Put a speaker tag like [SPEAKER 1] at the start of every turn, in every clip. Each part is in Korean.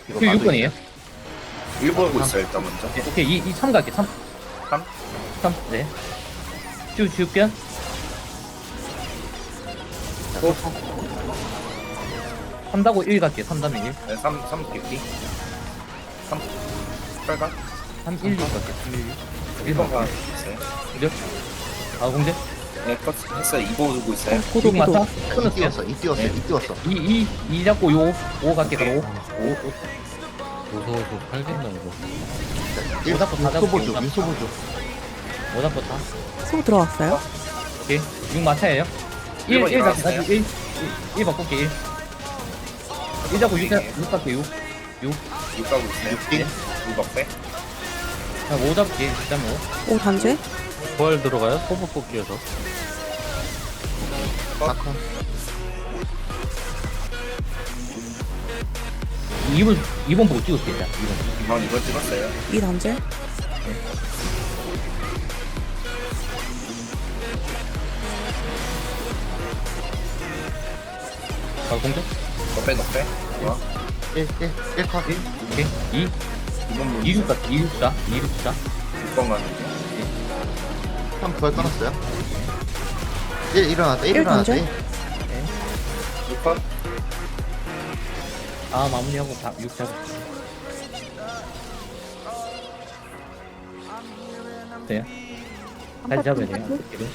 [SPEAKER 1] 이거
[SPEAKER 2] 그
[SPEAKER 1] 마도
[SPEAKER 2] 6번이에요.
[SPEAKER 3] 1 보고 있어요 일단 먼저.
[SPEAKER 2] 네, 오케이 3 갈게 3
[SPEAKER 3] 3?
[SPEAKER 2] 3 네. 쭉 변.
[SPEAKER 3] 또
[SPEAKER 2] 3다고 1 갈게 3 다음에 1
[SPEAKER 3] 네, 3 깊이. 3 빨간
[SPEAKER 2] 3 1 2 갈게 3 1 2
[SPEAKER 3] 1번 가 있어요.
[SPEAKER 2] 공절. 아 공절.
[SPEAKER 3] 네, 컷 했어요. 2 보고 있어요.
[SPEAKER 4] 고도
[SPEAKER 2] 6 맞다.
[SPEAKER 4] 고도.
[SPEAKER 1] 이
[SPEAKER 2] 끊었어요.
[SPEAKER 1] 띄웠어 이 띄웠어
[SPEAKER 2] 네.
[SPEAKER 1] 이 띄웠어
[SPEAKER 2] 2 잡고 요 5 갈게 그럼 5
[SPEAKER 5] 무서워서 팔겠나 이거.
[SPEAKER 1] 1
[SPEAKER 2] 잡고 다 잡고
[SPEAKER 1] 유소보조
[SPEAKER 2] 잡고.
[SPEAKER 1] 유소보조
[SPEAKER 2] 5 잡고 다.
[SPEAKER 4] 소 들어왔어요?
[SPEAKER 2] 오케이 6 마차예요. 1
[SPEAKER 3] 일번
[SPEAKER 2] 1 잡고
[SPEAKER 3] 일어났어요.
[SPEAKER 2] 다시 1 바꿀게 1 잡고 6 갈게 6
[SPEAKER 3] 6 가고 있어요.
[SPEAKER 1] 6띵
[SPEAKER 3] 6 억대.
[SPEAKER 2] 자, 5 잡게 그다음에 5
[SPEAKER 4] 오 단죄?
[SPEAKER 5] 부활 들어가요? 소부 뽑기에서.
[SPEAKER 1] 4컷
[SPEAKER 2] 2번 보고 찍을게 일단 2번.
[SPEAKER 3] 이번 찍었어요.
[SPEAKER 4] 이 단죄?
[SPEAKER 2] 아 공절.
[SPEAKER 3] 넉배. 좋아.
[SPEAKER 1] 1컷
[SPEAKER 2] 오케이 2
[SPEAKER 3] 2번
[SPEAKER 2] 2 6 갈게 2 6 4 2 6 4
[SPEAKER 3] 6번 가는 중.
[SPEAKER 1] 3 부활 끊었어요 1 일어났다 1
[SPEAKER 4] 일
[SPEAKER 1] 일어났다
[SPEAKER 4] 던져?
[SPEAKER 1] 1
[SPEAKER 3] 6번
[SPEAKER 2] 아 마무리하고 6 잡을게. 돼요? 잘 잡아야 돼요. 이렇게.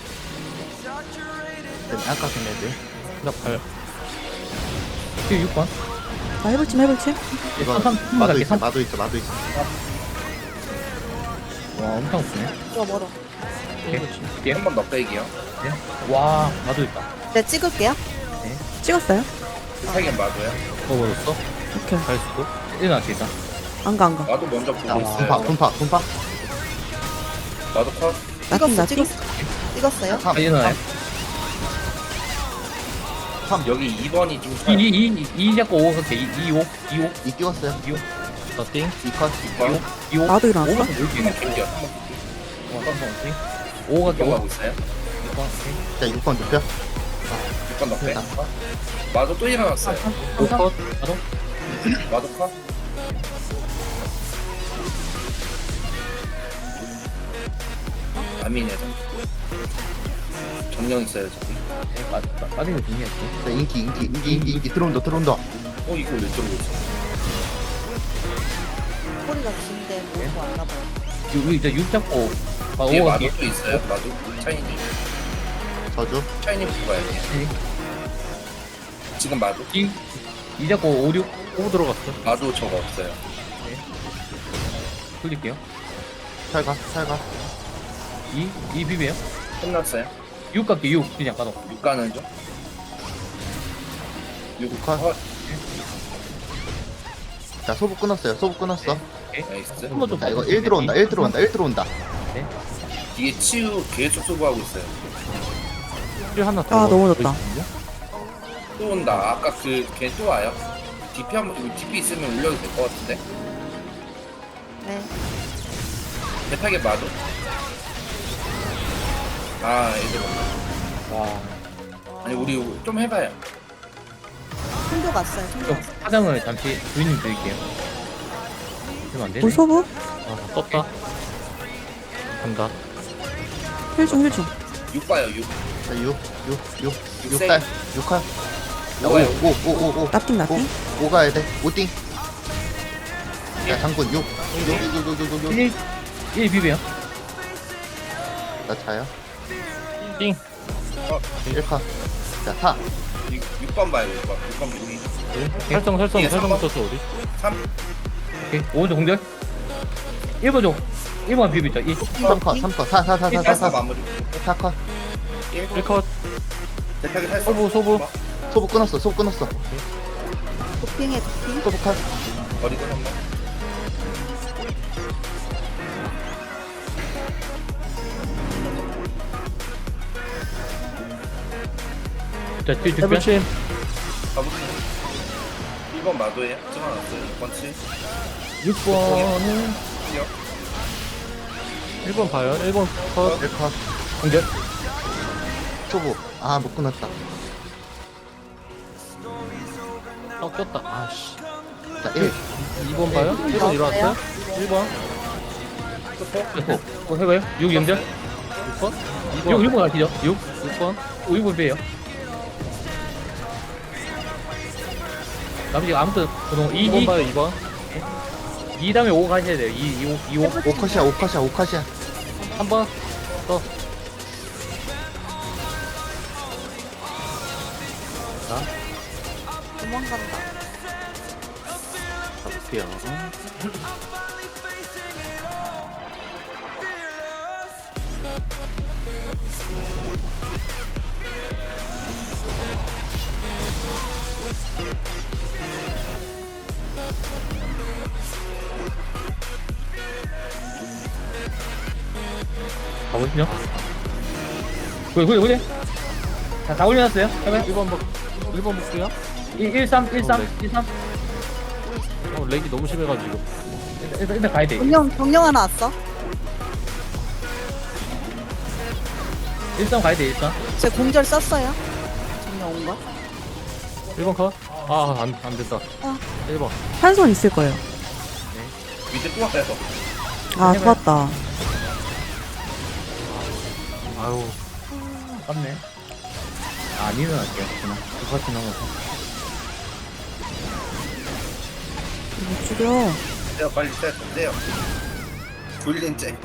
[SPEAKER 1] 아까 걔네들
[SPEAKER 5] 나 팔.
[SPEAKER 2] 6번.
[SPEAKER 4] 나 해볼침 해볼침?
[SPEAKER 1] 이거
[SPEAKER 2] 삼
[SPEAKER 1] 마도
[SPEAKER 2] 갈게,
[SPEAKER 1] 있어
[SPEAKER 2] 삼.
[SPEAKER 1] 마도 있어 마도 있어
[SPEAKER 2] 와 엄청 없네.
[SPEAKER 4] 멀어.
[SPEAKER 2] 오케이.
[SPEAKER 3] 1번 넉배기요.
[SPEAKER 2] 와 나도 있다.
[SPEAKER 6] 네, 찍을게요.
[SPEAKER 4] 찍었어요?
[SPEAKER 3] 3개 마도요.
[SPEAKER 5] 뽑아줬어?
[SPEAKER 4] 오케이.
[SPEAKER 5] 갈 수도?
[SPEAKER 2] 일어날게 일단.
[SPEAKER 4] 안가
[SPEAKER 3] 마도 먼저
[SPEAKER 1] 자
[SPEAKER 3] 보고 있어요.
[SPEAKER 1] 분파
[SPEAKER 3] 마도 컷.
[SPEAKER 4] 나띵
[SPEAKER 6] 찍었어,
[SPEAKER 4] 나띵?
[SPEAKER 6] 찍었어요.
[SPEAKER 1] 3
[SPEAKER 2] 일어나요.
[SPEAKER 1] 3
[SPEAKER 3] 여기 2번이 좀
[SPEAKER 2] 2 잡고 5 갈게. 2 5 2 5
[SPEAKER 1] 2 띄웠어요
[SPEAKER 5] 나 띵?
[SPEAKER 1] 2컷
[SPEAKER 3] 2번.
[SPEAKER 2] 2 5.
[SPEAKER 4] 나도 일어났어?
[SPEAKER 2] 5번 볼게.
[SPEAKER 3] 1번 깊이요.
[SPEAKER 2] 5 갈게 5.
[SPEAKER 3] 가고 있어요.
[SPEAKER 2] 6번. 오케이.
[SPEAKER 1] 자 6번 눕혀
[SPEAKER 3] 6번 넉배.
[SPEAKER 1] 됐다.
[SPEAKER 3] 마도 또 일어났어요.
[SPEAKER 2] 5 컷. 나도.
[SPEAKER 3] 마도 컷. 아미네죠. 정령 있어요 저기.
[SPEAKER 2] 빠지는 중요했어.
[SPEAKER 1] 자 인기 들어온다
[SPEAKER 3] 이거 왜 저러고 있어?
[SPEAKER 6] 소리가 긴데 뭐고 안 나봐요.
[SPEAKER 2] 여기 이제 6 잡고. 아, 5
[SPEAKER 3] 뒤에
[SPEAKER 2] 갈게.
[SPEAKER 3] 마도 또 있어요. 마도 차이니.
[SPEAKER 1] 저주
[SPEAKER 3] 차이니 보고 가야 돼. 지금 마도.
[SPEAKER 2] 2 잡고 5 6
[SPEAKER 5] 뽑 들어갔어.
[SPEAKER 3] 마도 저거 없어요.
[SPEAKER 2] 돌릴게요.
[SPEAKER 1] 살가
[SPEAKER 2] 2 비벼요.
[SPEAKER 3] 끝났어요.
[SPEAKER 2] 6 갈게 6 그냥 까도.
[SPEAKER 3] 6 가는 중. 6
[SPEAKER 1] 컷.
[SPEAKER 3] 컷.
[SPEAKER 1] 자 소부 끊었어요
[SPEAKER 3] 나이스.
[SPEAKER 2] 한번 좀
[SPEAKER 1] 자 이거 1 들어온다 1 들어온다
[SPEAKER 3] 뒤에 치유 계속 소부하고 있어요.
[SPEAKER 5] 힐 하나 더.
[SPEAKER 4] 아, 넘어졌다.
[SPEAKER 3] 또 온다. 아까 걔 또 와요. DP 한번 DP 있으면 올려도 될 것 같은데.
[SPEAKER 6] 네.
[SPEAKER 3] 대타게 마도. 아 애들 온다.
[SPEAKER 2] 와.
[SPEAKER 3] 아니 우리 좀 해봐요.
[SPEAKER 6] 손도 갔어요. 손도
[SPEAKER 2] 좀
[SPEAKER 6] 갔어요.
[SPEAKER 2] 사장을 잠시 주인님 드릴게요. 그럼 안 되네.
[SPEAKER 4] 무소부?
[SPEAKER 5] 아, 떴다. 간다.
[SPEAKER 4] 힐중
[SPEAKER 3] 6 봐요 6.
[SPEAKER 1] 자 6
[SPEAKER 3] 세.
[SPEAKER 1] 6달 6컷
[SPEAKER 3] 뭐가요?
[SPEAKER 1] 5
[SPEAKER 4] 나띵 나띵?
[SPEAKER 1] 5 가야 돼 5띵 자 장군 6
[SPEAKER 2] 1 비벼요.
[SPEAKER 1] 나 차요
[SPEAKER 5] 띵.
[SPEAKER 1] 1컷 자 4
[SPEAKER 3] 6번 봐요 6번 여기.
[SPEAKER 5] 설정
[SPEAKER 3] 이게
[SPEAKER 5] 설정
[SPEAKER 3] 삼번.
[SPEAKER 5] 붙였어 우리.
[SPEAKER 3] 3.
[SPEAKER 2] 오케이. 오른쪽 공절. 1번 줘. 1번 비비죠. 1.
[SPEAKER 1] 3컷 4
[SPEAKER 3] 1 마무리.
[SPEAKER 1] 4컷
[SPEAKER 3] 1.
[SPEAKER 5] 1컷.
[SPEAKER 3] 대타게 탈
[SPEAKER 5] 소부.
[SPEAKER 1] 소부 끊었어
[SPEAKER 6] 도핑해, 도핑.
[SPEAKER 1] 소부 컷
[SPEAKER 3] 버리고 한번.
[SPEAKER 2] 자, 뒤 뒷변.
[SPEAKER 5] 해불침.
[SPEAKER 3] 가볼게요. 1번 마도예요. 찍어놨어요. 6번 치.
[SPEAKER 2] 6번은
[SPEAKER 5] 1번 봐요. 1번 컷.
[SPEAKER 1] 1컷
[SPEAKER 2] 공절.
[SPEAKER 1] 소부 못 끊었다
[SPEAKER 5] 꼈다. 아씨.
[SPEAKER 1] 자, 1.
[SPEAKER 5] 2번 봐요? 1번 일어났어요? 1번
[SPEAKER 2] 해봐요. 6 연결.
[SPEAKER 5] 6번
[SPEAKER 2] 6
[SPEAKER 5] 2번
[SPEAKER 2] 6번 가시죠. 6
[SPEAKER 5] 6번
[SPEAKER 2] 6번 빼요. 나머지 아무튼 그동
[SPEAKER 5] 2번 봐요 2번
[SPEAKER 2] 2 다음에 5 가셔야 돼요. 2 5
[SPEAKER 1] 오카시아, 오카시아, 오카시아.
[SPEAKER 5] 3번 또
[SPEAKER 6] 도망간다.
[SPEAKER 5] 가볼게요
[SPEAKER 2] 가보시죠. 그래. 다 올려놨어요. 해봐요.
[SPEAKER 5] 1번 볼게요
[SPEAKER 2] 1 3 1 3 1 3.
[SPEAKER 5] 렉이 너무 심해가지고
[SPEAKER 2] 일단 가야 돼.
[SPEAKER 6] 정령 하나 왔어.
[SPEAKER 2] 1 3 가야 돼. 1 3.
[SPEAKER 6] 제 공절 썼어요. 정령 온 거.
[SPEAKER 5] 1번 컷? 안 된다
[SPEAKER 6] 아.
[SPEAKER 5] 1번
[SPEAKER 4] 한 손 있을 거예요.
[SPEAKER 3] 밑에 또 와요.
[SPEAKER 4] 아, 좋았다.
[SPEAKER 5] 아유
[SPEAKER 2] 맞네. 안 일어날게요. 그냥 똑같이 넘어서.
[SPEAKER 4] 이거 죽여.
[SPEAKER 3] 돼요 빨리 떼요. 굴린 째.